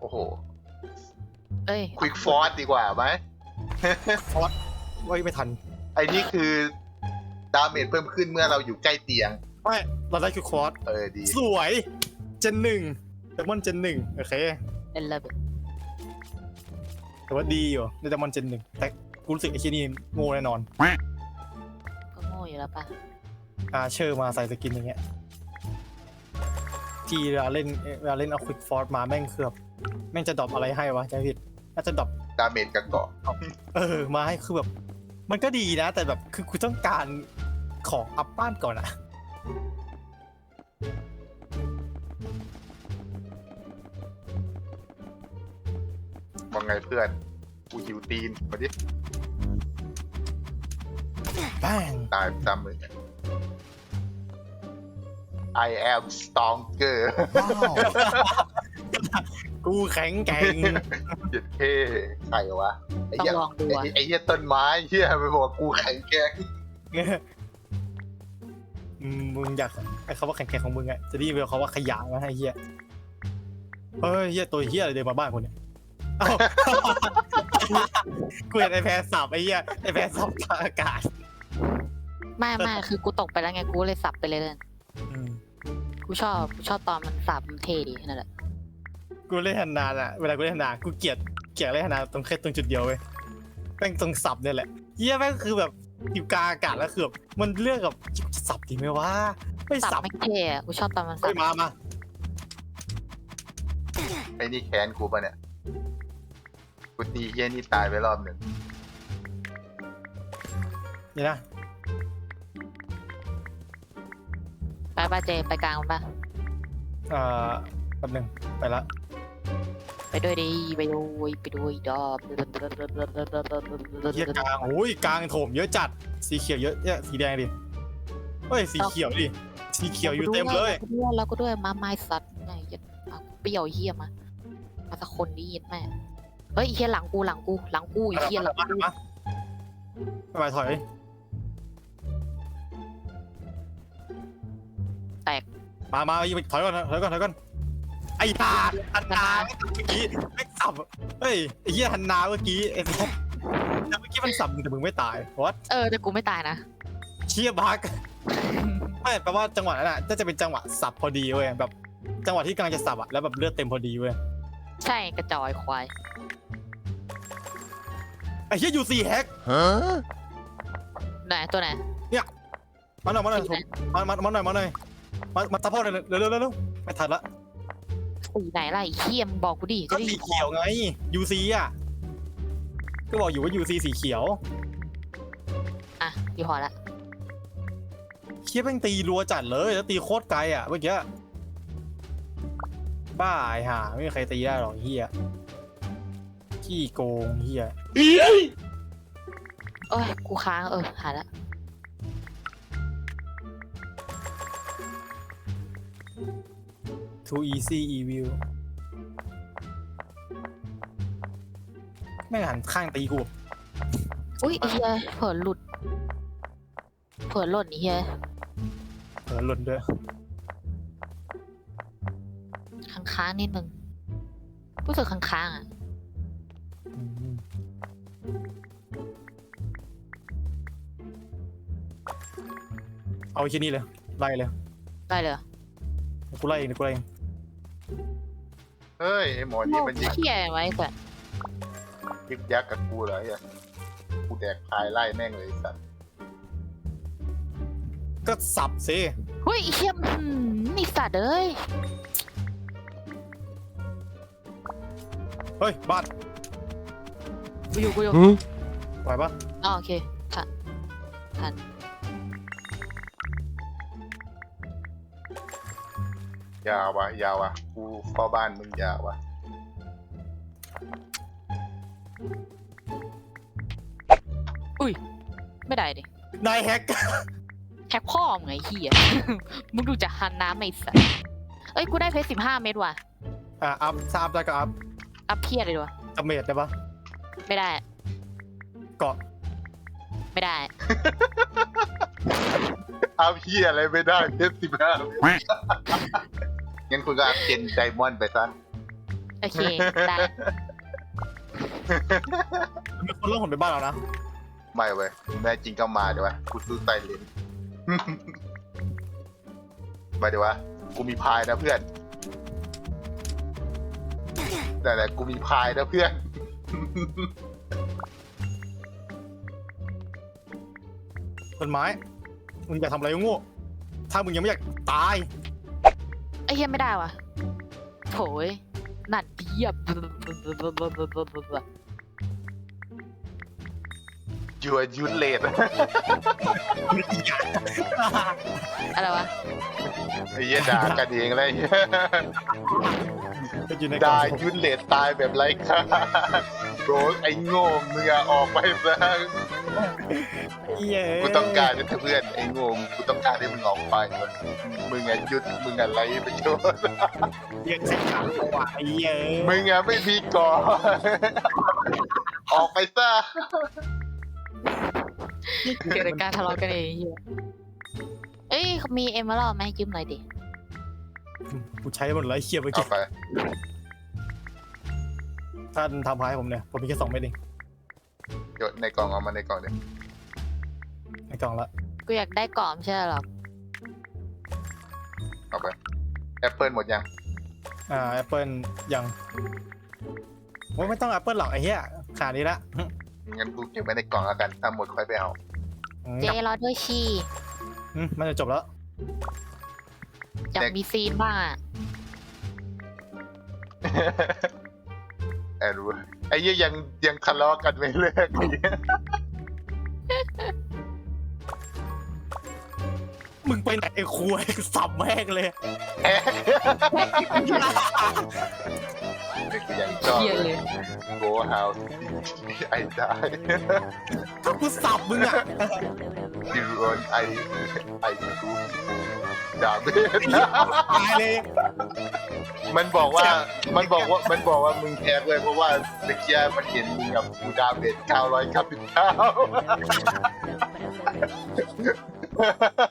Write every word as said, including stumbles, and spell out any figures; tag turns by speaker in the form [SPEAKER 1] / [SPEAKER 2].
[SPEAKER 1] อ้โห
[SPEAKER 2] เอ้ย
[SPEAKER 1] ควิกฟอร์สดีกว่าไหม
[SPEAKER 3] ฟอสไว้ไม่ทัน
[SPEAKER 1] ไอ้นี่คือดาเมจเพิ่มขึ้นเมื่อเราอยู่ใกล้เตียง
[SPEAKER 3] ไม่เราได้คือคอร์ส
[SPEAKER 1] เออดี
[SPEAKER 3] สวยเจนหนึ่งแต่มันเจนหนึ่งโอเค
[SPEAKER 2] เป็นระเบิด
[SPEAKER 3] แต่ว่าดีอยู่ในแต่มันเจนหนึ่งแต่กูรู้สึกไอ้ที่นี่โง่แน่นอน
[SPEAKER 2] ก็โง่อยู่แล้วป่ะ
[SPEAKER 3] อาเชอร์มาใส่สกินอย่างเงี้ยที่เวลาเล่นเวลาเล่นเอาควิกฟอร์สมาแม่งคือแบบแม่งจะดรอปอะไรให้วะใจผิดน่าจะดรอป
[SPEAKER 1] ดาเมจกับเกาะ
[SPEAKER 3] เออมาให้คือแบบมันก็ดีนะแต่แบบคือคุณต้องการของอัพบ้านก่อนอะ
[SPEAKER 1] มองไงเพื่อนกูหิวตีนมาดิ
[SPEAKER 3] แป้ง
[SPEAKER 1] ตายจำเลย I am stronger
[SPEAKER 3] กูแข็งแกร่ง
[SPEAKER 1] เจ็ดเท่ใครวะไอ้เหี้ยไอ้เหี้ยต้นไม้เหี้ยไปบอกกูแข็งแกร่ง
[SPEAKER 3] มึงอยากไอ้คำว่าแข็งแกร่งของมึงอะจะได้ยินเขาว่าขยะนะไอ้เหี้ยเฮ้ยเหี้ยตัวเหี้ยอะไรเดินมาบ้านคนเนี่ยกูเห็นไอ้แพรสับไอ้เหี้ยไอ้แพรสับทางอากาศ
[SPEAKER 2] ไม่ไม่คือกูตกไปแล้วไงกูเลยสับไปเลยเลยกูชอบกูชอบตอนมันสับมันเท่ดีนั่นแหละ
[SPEAKER 3] กูเล่นฮันนาอะเวลากูเล่นฮันนากูเกลียดเกลียดเล่นฮันนาตรงแค่ตรงจุดเดียวเว้ยแม่งตรงสับเนี่ยแหละเหี้ยแม่งคือแบบอยู่กลางอากาศแล้วคือแบบมันเลือกกับจะสับดีไหมวะไม่สับ
[SPEAKER 2] ไม่เท่กูชอบตอนมันสับ
[SPEAKER 3] มามา
[SPEAKER 1] ไอ้นี่แค้นกูปะเนี่ยกูตีเหี้ยนี่ตายไปรอบหนึ่ง
[SPEAKER 3] นี่นะ
[SPEAKER 2] ไปป่ะเจไปกลางมันป่ะ
[SPEAKER 3] อ่าแป๊บนึงไปละ
[SPEAKER 2] ไปด้วยดิไปด้วยไปด้วยดอบ
[SPEAKER 3] เฮียกลางโอ้ยกลางโถมเยอะจัดสีเขียวเยอะเนี่ยสีแดงดิเฮ้ยสีเขียวดิสีเขียวอยู่เต็มเลย
[SPEAKER 2] เราก็ด้วยมาไม้สัตว์ไงยัดเปรี้ยวเฮียมามาสักคนนี้ยัดแม่เฮ้ยเฮียหลังกูหลังกูหลังกูเฮียหลังกู
[SPEAKER 3] ไปถอย
[SPEAKER 2] แตก
[SPEAKER 3] มามาถอยก่อนถอยก่อนถอยก่อนไอ้ตาฮันนาเมื่อกี้ไม่สับเฮ้ยไอ้เหี้ยฮันนาเมื่อกี้ไอ้เมื่อกี้มันสับแต่มึงไม่ตายวัด
[SPEAKER 2] เออแต่กูไม่ตายนะ
[SPEAKER 3] เชี่ยบักไม่แปลว่าจังหวะนั้นอ่ะจะเป็นจังหวะสับพอดีเว้ยแบบจังหวะที่กำลังจะสับอ่ะแล้วแบบเลือดเต็มพอดีเว้ย
[SPEAKER 2] ใช่กระจอยควาย
[SPEAKER 3] ไอ้เหี้ยยูซีแฮก
[SPEAKER 2] ไหนตัวไหน
[SPEAKER 3] เนี่ยมาหน่อยมาหน่อยมามามาหน่อยมาหน่อยมามาซัพพอร์ตเลยเร็วเร็วเร็วไม่ทันละ
[SPEAKER 2] สีไหนล่ะไอ้เขี้ยมบอกกูดิ
[SPEAKER 3] ก็สีเขียวไง ยู ซี อ่ะก็บอกอยู่ว่า ยู ซี สีเขียว
[SPEAKER 2] อ่ะดีพอละ
[SPEAKER 3] เขี้ยแม่งตีรัวจัดเลยแล้วตีโคตรไกลอ่ะเมื่อกี้บ้าไอ้ห่าไม่มีใครตีได้หรอกเฮียขี้โกงเฮีย
[SPEAKER 2] โอ้ยกูค้างเออหาละ
[SPEAKER 3] too easy evil แม่งหันข้างตีกู
[SPEAKER 2] อุ้ยเฮียเผลอหลุดเผลอหล่นเฮีย
[SPEAKER 3] เผลอหล่นด้วย
[SPEAKER 2] ค้างๆนิดนึงรู้สึกค้างๆอ่ะ
[SPEAKER 3] เอาแค่นี้เลยไล่เลย
[SPEAKER 2] ไล่เลย
[SPEAKER 3] กูไล่เองกูไล่เอง
[SPEAKER 1] เฮ้ยไอหมอนี่มันยิง
[SPEAKER 2] เขี้ยไว้ก่อน
[SPEAKER 1] ยึกยักกับกูเลยอ่ะกูแดกพายไล่แม่งเลยสัตว์
[SPEAKER 3] ก็สับสิ
[SPEAKER 2] เฮ้ยเขี้ยมนี่สัตว์เอ้ย
[SPEAKER 3] เฮ้ยบ้าน
[SPEAKER 2] กูอยู่กูอยู่
[SPEAKER 3] ไหวปะ
[SPEAKER 2] อ๋อโอเคทันทัน
[SPEAKER 1] ยาววะยาววะกูพ่อบ้านมึงยาววะ
[SPEAKER 2] อุ้ยไม่ได้ดิ
[SPEAKER 3] นายแฮก
[SPEAKER 2] แฮกพ่อมึงไงเฮียมึงดูจะหันน้ำไม่สัเอ้ยกูได้เพชรสิบห้าเม็ดว่ะ
[SPEAKER 3] อ่ะอัพซาบได้ก็อัพ
[SPEAKER 2] อัพเพียเลยด้วย
[SPEAKER 3] อัพเมดได้ปะ
[SPEAKER 2] ไม่ได้
[SPEAKER 3] เกาะ
[SPEAKER 2] ไม่ได้
[SPEAKER 1] อัพเพียอะไรไม่ได้เพชรสิบห้างั้นคุณก็อัพเจนไดมอนด์ไปซะ
[SPEAKER 2] โอเคได้
[SPEAKER 3] มีคนเล่าผมไปบ้านเรานะ
[SPEAKER 1] ไม่เว้ยแม่จริงก็มาเดี๋ยววะกูซื้อไซเลน มาเดี๋ยววะกูมีพายนะเพื่อนแต่แต่กูมีพายนะเพื่อน
[SPEAKER 3] ต้นไม้มึงอยากทำอะไรก็โง่ถ้ามึงยังไม่อยากตาย
[SPEAKER 2] ไอ้เฮียไม่ได้วะโถยหนัดเยียบ
[SPEAKER 1] ยัวยุนเลด
[SPEAKER 2] อะไรวะ
[SPEAKER 1] ไอ้เหี้ยด่ากันเองเลย
[SPEAKER 3] ก็อยู่ในกล่อ
[SPEAKER 1] ด่าง ยุนเลดตายแบบไร้ค่าโรสไอ้โง่มึงอะออกไปซะ
[SPEAKER 3] เย้
[SPEAKER 1] กูต้องการเป็นเพื่อนไอ้โง่กูต้องการให้มึงออกไปเว้ยมึงอะยุดมึงอะไรประโยชน์
[SPEAKER 3] เรียกเสียงดังกว่าไอ้เย้
[SPEAKER 1] มึงอะไม่มีก่อน ออกไปซะ
[SPEAKER 2] เกิดการทะเลาะกันเองเฮียเอ้ยมีเอมเมอรัลด์ไหมยืมหน่อยดิ
[SPEAKER 3] กูใช้หมดเลยเคียบไป
[SPEAKER 1] เอา
[SPEAKER 3] กี่
[SPEAKER 1] ไป
[SPEAKER 3] ท่านทำพายผมเนี่ยผมมีแค่สองเม็ดเอง
[SPEAKER 1] โยนในกล่องเอามาในกล่องเลย
[SPEAKER 3] ในกล่องละ
[SPEAKER 2] กูอยากได้กล่อมใช่หรอ
[SPEAKER 1] เอาไปแอปเปิลหมดยัง
[SPEAKER 3] อ่าแอปเปิลยังโอ้ยไม่ต้องแอปเปิลหรอกไอ้เหี้ยขาดนี้ละ
[SPEAKER 1] งั้นกูเก็บไว้ในกล่องแล้วกันถ้าหมดค่อยไปเอา
[SPEAKER 2] เจรอด้วยชี
[SPEAKER 3] อืมมันจะจบแล้ว
[SPEAKER 2] อยากมีซีนบ้างอะ
[SPEAKER 1] แอนรู้ไอ้เหี้ยยังยังทะเลาะกันไม่เลิกอีก
[SPEAKER 3] มึงไปไหนไอ้คุยสับแม่งเลย
[SPEAKER 1] แอ๊ะนี่คือยังชอบ
[SPEAKER 2] เฮียเลย
[SPEAKER 1] โกฮาวไอ้ได้
[SPEAKER 3] ถ้ากูสับมึงอ่ะ
[SPEAKER 1] ดิรอนไอไอกูด่าเบส
[SPEAKER 3] ตายเลย
[SPEAKER 1] มันบอกว่ามันบอกว่ามันบอกว่ามึงแพ้เลยเพราะว่าเมื่อกี้มันเห็นมึงกับกูดาเบสเก้าร้อยเก้าสิบเก้า